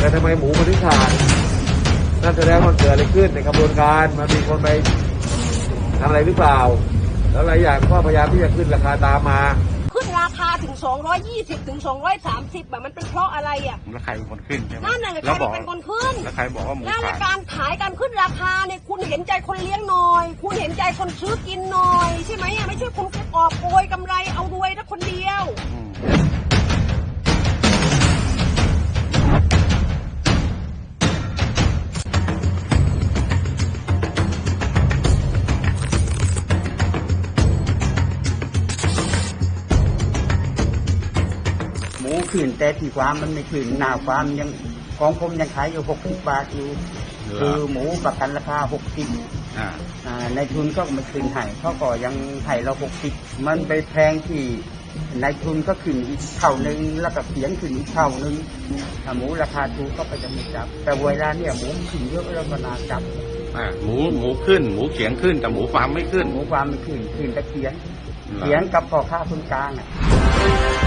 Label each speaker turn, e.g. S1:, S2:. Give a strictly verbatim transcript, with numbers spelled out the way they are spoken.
S1: ทำไมหมูมันถึงขาดนั่นแสดงว่าเกิดอะไรขึ้นในกระบวนการมันมีคนไปทำอะไรหรือเปล่าแล้วหลายอย่างก็พยายามที่จะขึ้นราคาตามมา
S2: ขึ้นราคาถึงสองร้อยยี่สิบถึงสองร้อยสามสิบแบบมันเป็นเพราะอะไรอ่ะ
S3: แล้วใครเป็นคนขึ้นใช่ไหม
S2: นั่นแหละใครเป็นคนขึ้น
S3: แล้วใครบอกว่าหมู
S2: นั่นแหละ
S3: ขาด
S2: การขายการขึ้นราคาเนี่ยคุณเห็นใจคนเลี้ยงหน่อยคุณเห็นใจคนซื้อกินหน่อยใช่ไหมอ่ะไม่ใช่คุณกอบโกยกำไรเอารวยนะคนเดียว
S4: หมูขึ้นแต่ที่ฟาร์มมันไม่ขึ้นหน้าฟาร์มยังของผมยังขายอยู่หกสิบบาทอยู่คือหมูประกันราคาหกสิบในทุนก็ไม่ขึ้นให้เขาก็ยังให้เราหกสิบมันไปแพงที่ในทุนก็ขึ้นอีกเท่านึงแล้วก็เสียงขึ้นอีกเท่านึงถ้าหมูราคาถูกก็ไปจะไม่จับแต่เวลาเนี่ยหมูขึ้นเยอะแล้วก็น่าจับ
S3: หมูหมูขึ้นหมูเขียงขึ้นแต่หมูฟาร์มไม่ขึ้น
S4: หมูฟาร์มไม่ขึ้นขึ้นแต่เขียงเขียงกับพ่อค้าคนกลางอ่ะ